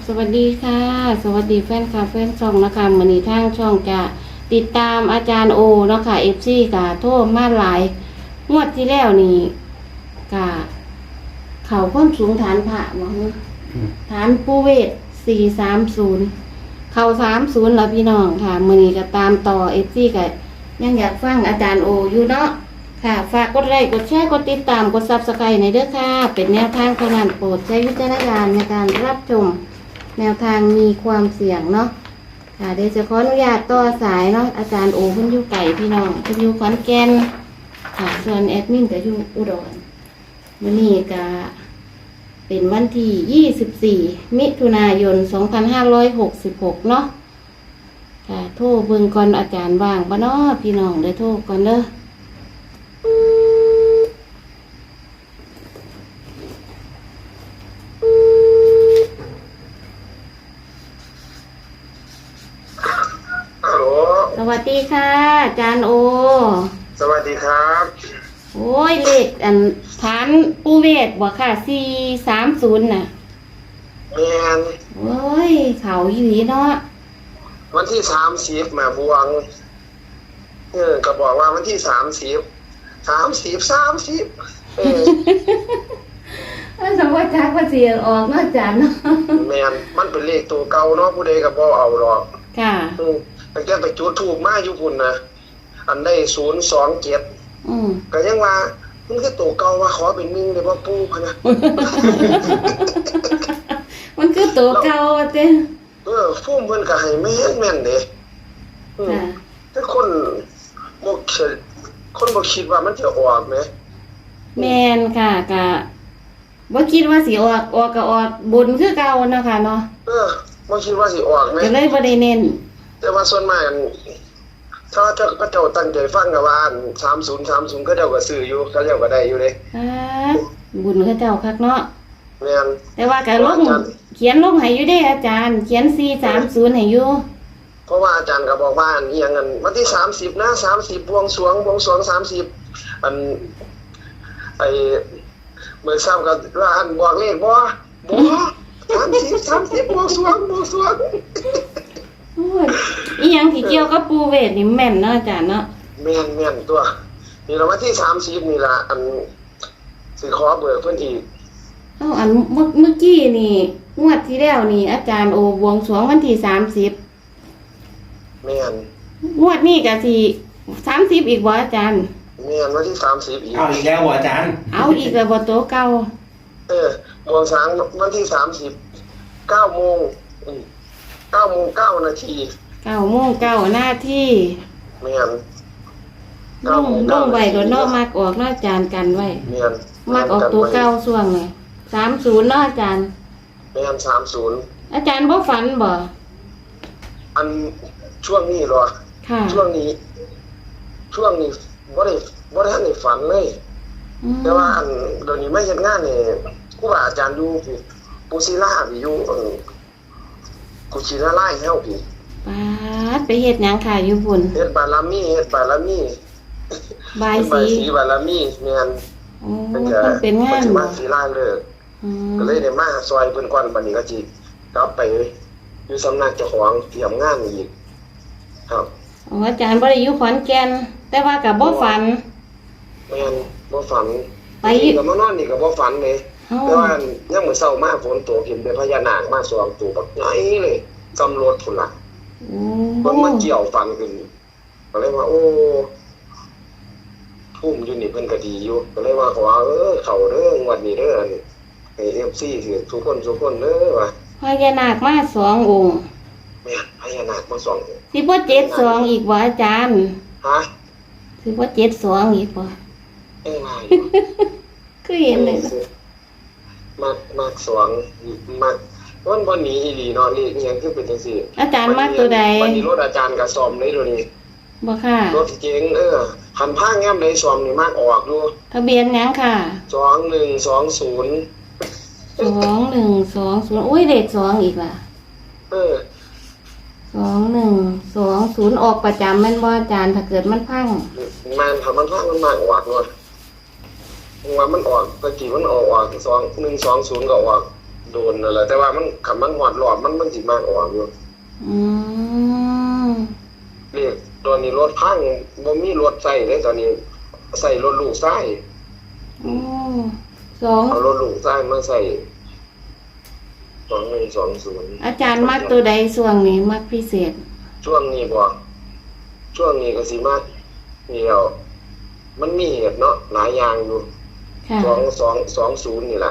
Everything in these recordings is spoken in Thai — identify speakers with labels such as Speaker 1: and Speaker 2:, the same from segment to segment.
Speaker 1: สวัสดีค่ะสวัสดีแฟนคลับแฟนช่องนะคะมื้อนี้ทางช่องจะติดตามอาจารย์โอเนาะค่ะ FC กะโทรมาหลายงวดที่แล้วนี่กะเขาความสูงฐานพระบ่ฮึฐานปูเวศ430เข้า30แล้วพี่น้องค่ะมื้อนี้ก็ตามต่อ FC ก็ยังอยากฟังอาจารย์โออยู่เนาะค่ะฝากกดไลค์กดแชร์กดติดตามกด Subscribe ในเด้อค่ะเป็นแนวทางเท่านั้นโปรดใช้วิจารณญาณในการรับชมแนวทางมีความเสี่ยงเนาะค่ะเดี๋ยวจะขออนุญาตต่อสายเนาะอาจารย์โอเพิ่นอยู่ไก่พี่น้องเพิ่นอยู่ขอนแก่นค่ะส่วนแอดมินก็อยู่อุดรมื้อนี้ก็เป็นวันที่24มิถุนายน2566เนาะค่ะโทรเบิ่งก่อนอาจารย์ว่างบ่เนาะพี่น้องเด้อโทรก่อนเด้อสวัสดีค่ะอาจารย์โอ
Speaker 2: สวัสดีครับ
Speaker 1: โอ้ยเลขฐานปูเวศบ่ค่ะ430น่ะ
Speaker 2: แม่น
Speaker 1: โอ้ยเขาอีหลีเนาะ
Speaker 2: วันที่30มาบวงก็บอกว่าวันที่30
Speaker 1: สมมติจักว่าสิออกเนาะอาจารย์เนาะ
Speaker 2: แม่นมันเป็นเลขตัวเก่าเนาะผู้ใดก็บ่เอาหรอก
Speaker 1: ค่ะ
Speaker 2: แต่แกไปจุดถูกมาอยู่พุ่นนะอันได้027ก็ยังว่ามันคือตัวเก่าว่าขอเป็น1ได้บ่ปู่พะนะ
Speaker 1: มันคือตัวเก่าเด้
Speaker 2: ฟุ่มเพิ่นก็ให้แม่นเด้แต่คนบ่คิดว่ามันจะออกแหม
Speaker 1: แม่นค่ะก็บ่คิดว่าสิออกก็ออกบุญคือเก่าเนาะค่ะเนาะ
Speaker 2: บ่คิดว่าสิออกแหม
Speaker 1: ก็เลยบ่ได้เน้น
Speaker 2: แต่ว่าส่วนมากถ้าเจ้าตั้งใจฟังก็ว่า30ก็เจ้าก็ซื้ออยู่เขาเจ้าก็ได้อยู่เด้
Speaker 1: บุญเขาเจ้าคักเนาะ
Speaker 2: แม่น
Speaker 1: แต่ว่าก็ลงเขียนลงให้อยู่เด้อาจารย์เขียน430ให้อยู่
Speaker 2: เพราะว่าอาจารย์ก็บอกว่าอีหยังนั้นวันที่30นะ30บวงสรวง30อันไอ้มื้อเช้าก็ว่าอันบอกเลขบ่30บวงสรวง
Speaker 1: โอ้ยอีหยังที่เกี่ยวกับปูเวศนี่แม่นเนาะอาจารย์เนาะ
Speaker 2: แม่นตัวนี่ละวันที่30นี่ล่ะอันสิขอเบิกเพิ่นอีก
Speaker 1: อันเมื่อกี้นี่งวดที่แล้วนี่อาจารย์โอบวงสรวงวันที่30
Speaker 2: แม่น
Speaker 1: งวดนี้ก็สิ30อีกบ่อาจารย์
Speaker 2: แม่นวันที่30อีก
Speaker 3: เอาอีกแล้วบ่อาจารย์
Speaker 1: เอาอีกแล้วบ่โตเก่า
Speaker 2: บวงสรวงวันที่30 9:09 9:09 นาที
Speaker 1: 9:09 นาที
Speaker 2: แม่น
Speaker 1: ลงไว้ก็เนาะมักออกเนาะอาจารย์กันไว้
Speaker 2: แม่น
Speaker 1: มักออกตัวเก่าช่วงนี้30เนาะอาจารย์
Speaker 2: แม่น30
Speaker 1: อาจารย์บ่ฝันบ่
Speaker 2: อันช่วงนี้เหรอ
Speaker 1: ค่ะ
Speaker 2: ช่วงนี้บ่ได้ทันได้ฝันเลยแต่ว่าอันเดี๋ยวนี้ไม่เฮ็ดงานนี่ครูบาอาจารย์อยู่ปูศิลาอยู่กุชินาไล่เฮาพี่
Speaker 1: ป๊าดไปเฮ็ดหยังค่ะอยู่พุ่น
Speaker 2: เฮ็ดบารมี
Speaker 1: บายสี
Speaker 2: บารมีแม่น
Speaker 1: เป็นงาน
Speaker 2: มาศิลาเลิกก็เลยได้มาซอยเพิ่นก่อนบัดนี้ก็สิกลับไปอยู่สำนักเจ้าของเตรียมงานอีกครับ
Speaker 1: อาจารย์บ่ได้อยู่ขอนแก่นแต่ว่าก็บ่ฝัน
Speaker 2: แม่นบ่ฝันไปก็มานอนนี่ก็บ่ฝันเลยแต่ว่ายังมื้อเช้ามาฝนตกเห็นเป็นพญานาคมา2ตัวบักใหญ่เลยกำรถพุ่นล่ะมันเกี่ยวฟันขึ้นก็เลยว่าโอ้ทุ่มอยู่นี่เพิ่นก็ดีอยู่ก็เลยว่าขอเข้าเด้องวดนี้เด้อให้ FC ถือทุกคนเด้อว่า
Speaker 1: พญานาคมา2องค์
Speaker 2: แม่พญานาคมา2องค์
Speaker 1: สิบ่72อีกบ่อาจารย์
Speaker 2: ฮะ
Speaker 1: สิบ่72อีกบ่
Speaker 2: ว่า
Speaker 1: คือเห็นเลย
Speaker 2: มัก2มักวันบ่หนีอีหลีเนาะนี่อีหยังคือเป็นจังซี่
Speaker 1: อาจารย์มักตัวใด
Speaker 2: วันนี้รถอาจารย์ก็ซ่อมเลยเดี๋ยวนี้
Speaker 1: บ่ค่ะ
Speaker 2: รถเก๋งคันพาแง้มได้ซ่อมนี่มักออกอยู่
Speaker 1: ทะเบียนหยังค่ะ
Speaker 2: 2120
Speaker 1: 2120โอ้ยเลข2อีกล่ะ2120ออกประจำแม่นบ่อาจารย์ถ้าเกิดมันพัง
Speaker 2: ถ้ามันพังมันมักออกเนาะว่ามันออกตะกี้มันออก2120ก็ออกโดนนั่นแหละแต่ว่ามันคันมันหอดรอบมันสิมากออกอยู่
Speaker 1: อืม
Speaker 2: เรียกตอนนี้รถพังบ่มีรถใส่เลยตอนนี้ใส่รถลูกชาย
Speaker 1: โอ้สอง
Speaker 2: เอารถลูกชายมาใส่2120
Speaker 1: อาจารย์มักตัวใดส่วงนี้มักพิเศษ
Speaker 2: ช่วงนี้บ่ช่วงนี้ก็สิมากนี่แล้วมันมีเหตุเนาะหลายอย่างอยู่
Speaker 1: ค่ะ
Speaker 2: 20นี่ล่ะ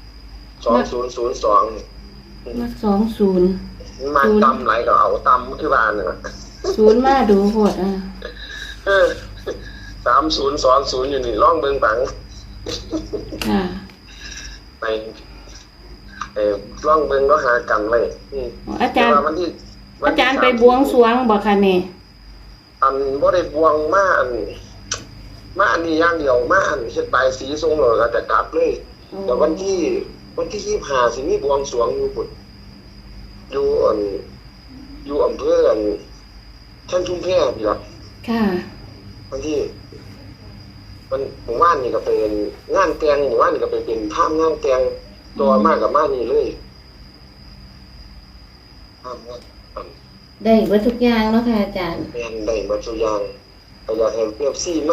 Speaker 2: 2002
Speaker 1: มัก20
Speaker 2: มาตำไหลก็เอาตำคือบ้านน่ะ
Speaker 1: 0มาดูโหดอ่ะ
Speaker 2: เออ3020อยู่นี่ลองเบิ่งปัง
Speaker 1: ค่ะ
Speaker 2: ไปลองเบิ่งก็หากันไว้
Speaker 1: อาจารย์
Speaker 2: แต่ว่วันที่
Speaker 1: อาจารย์ไปบวงสรวงบ่คะนี่
Speaker 2: อันบ่ได้บวงมาอันนี้อย่างเดียวมาอันเฮ็ดใบายสีทรงแล้วก็จะกลับเลยแต่วันที่25สิมีบวงสรวงอยู่พุ่นอยู่อำเภอท่านชุมแพนี่ล่ะ
Speaker 1: ค่ะ
Speaker 2: วันที่มันหมู่บ้านนี่ก็เป็นงานแต่งหมู่บ้านนี่ก็ไปเป็นภาพงานแต่งตัวมากกับมานี่เลยภาพงาน
Speaker 1: ได้เบิดทุกอย่างเนาะค่ะอาจารย์
Speaker 2: แม่นได้หมดทุกอย่างก็อยากให้เปรียบซี่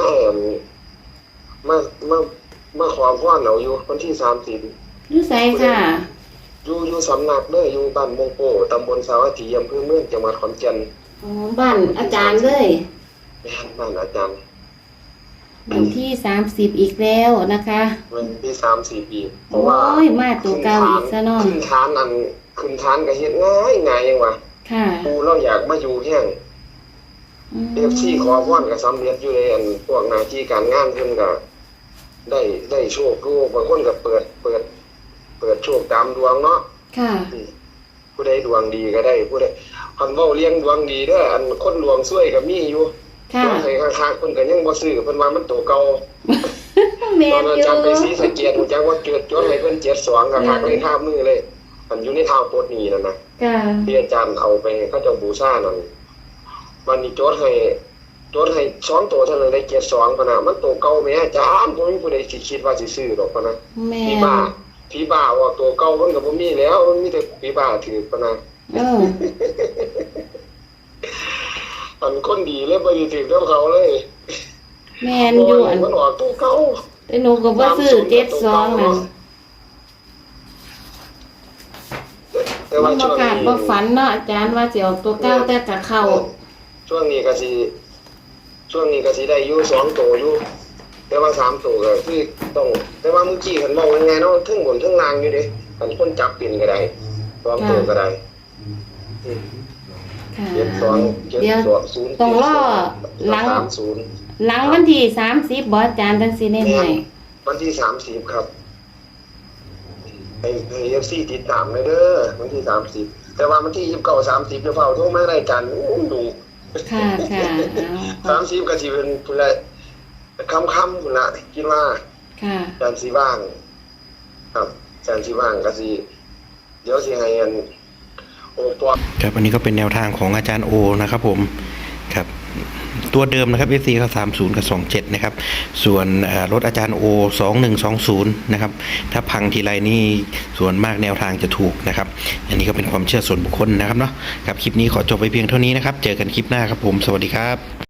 Speaker 2: มาขอพรเอาอยู่วันที่30
Speaker 1: อยู่ไสค่ะ
Speaker 2: อยู่สำนักเด้ออยู่บ้านมงโปตำบลสาวัตถีอำเภอเมืองจังหวัดขอนแก่น
Speaker 1: อ๋อบ้านอาจารย์เลย
Speaker 2: แม่นบ้านอาจารย์
Speaker 1: วันที่30อีกแล้วนะคะ
Speaker 2: วันที่30ปีเพ
Speaker 1: โอ้
Speaker 2: ราะว่าย
Speaker 1: มาตัวเก่าอีกซะเนาะ
Speaker 2: ขึ้นฐานก็เฮ็ดง่ายยังวะ
Speaker 1: ค่ะ
Speaker 2: ปูเราอยากมาอยู่แห้ง FC ขอพรก็สำเร็จอยู่ในอันพวกหน้าที่การงานเพิ่นก็ได้โชคอยู่บางคนก็เปิดโชคตามดวงเนาะ
Speaker 1: ค่ะ
Speaker 2: ผู้ใดดวงดีก็ได้ผู้ใดคันเว้าเลี้ยงดวงดีเด้ออันคนดวงซวยก็มีอยู่
Speaker 1: ค่ะ
Speaker 2: ให้ข้างๆเพิ่นก็ยังบ่ซื้อเพิ่นว่ามันตัวเก่า
Speaker 1: แม่
Speaker 2: ตอน
Speaker 1: น
Speaker 2: นั้น
Speaker 1: อยู่
Speaker 2: จำไปศรีสะเกษจังว่าเกิดจดให้เพิ่น72ก็คักเลยท่ามือเลยมันอยู่ในทางโพดนี้นั่นนะ
Speaker 1: ค่ะ
Speaker 2: ที่อาจารย์เอาไปเขาเจ้าบูชานั่นวันนี้จดให้2ตัวเท่านั้นได้72พะนะมันตัวเก่าแม่อาจารย์บ่มีผู้ใดสิคิดว่าสิซื้อดอกพะนะ
Speaker 1: แม่
Speaker 2: ผี
Speaker 1: น
Speaker 2: บ้าว่าตัวเก่ามันก็บ่มีแล้วมันมีแต่ผีบ้าถือพะนะ
Speaker 1: เออ
Speaker 2: อันคนดีเลยบ่ได้ถือกับเขาเลย
Speaker 1: แม่นอยู่อัน
Speaker 2: มันออกตัวเก่า
Speaker 1: แต่หนูก็บ่ซื้อ72นั่น
Speaker 2: แต่
Speaker 1: มั
Speaker 2: ว่าน
Speaker 1: บ่
Speaker 2: ช่วง
Speaker 1: กล้า
Speaker 2: นี้
Speaker 1: บ่ฝันเนาะอาจารย์ว่าสิเอาตัวเก่าแต่ก็เข้า
Speaker 2: ช่วงนี้ก็สิได้อยู่2ตัวอยู่แต่ว่า3ตัวก็คือต้องแต่ว่าเมื่อกี้เห็นเว้ายังไงเนาะถึงบนถึงล่างอยู่เด้อันคนจับเป็นก็ได้2ตัวก็ได้
Speaker 1: ค่ะ
Speaker 2: 72
Speaker 1: เดี๋ยว
Speaker 2: 0
Speaker 1: ต้องรอหลัง
Speaker 2: 30
Speaker 1: หลังวันที่30บ่อาจารย์จังสิแน่ให้
Speaker 2: วันที่30ครับให้ FC ติดตามเลยเด้อวันที่30แต่ว่าวันที่29 30จะเฝ้าโทรมารายการดู
Speaker 1: ค่ะค่ะเอา
Speaker 2: 30ก็สิเป็นพุ่นละค่ำๆพุ่นละคิดว่า
Speaker 1: ค่ะ
Speaker 2: อาจารย์สิว่างครับอาจารย์สิว่างก็สิเดี๋ยวสิให้อันโอปอ
Speaker 3: ครับอันนี้ก็เป็นแนวทางของอาจารย์โอนะครับผมครับตัวเดิมนะครับ FC ก็30กับ27นะครับส่วนรถอาจารย์โอ2120นะครับถ้าพังทีไรนี่ส่วนมากแนวทางจะถูกนะครับอันนี้ก็เป็นความเชื่อส่วนบุคคลนะครับเนาะครับคลิปนี้ขอจบไปเพียงเท่านี้นะครับเจอกันคลิปหน้าครับผมสวัสดีครับ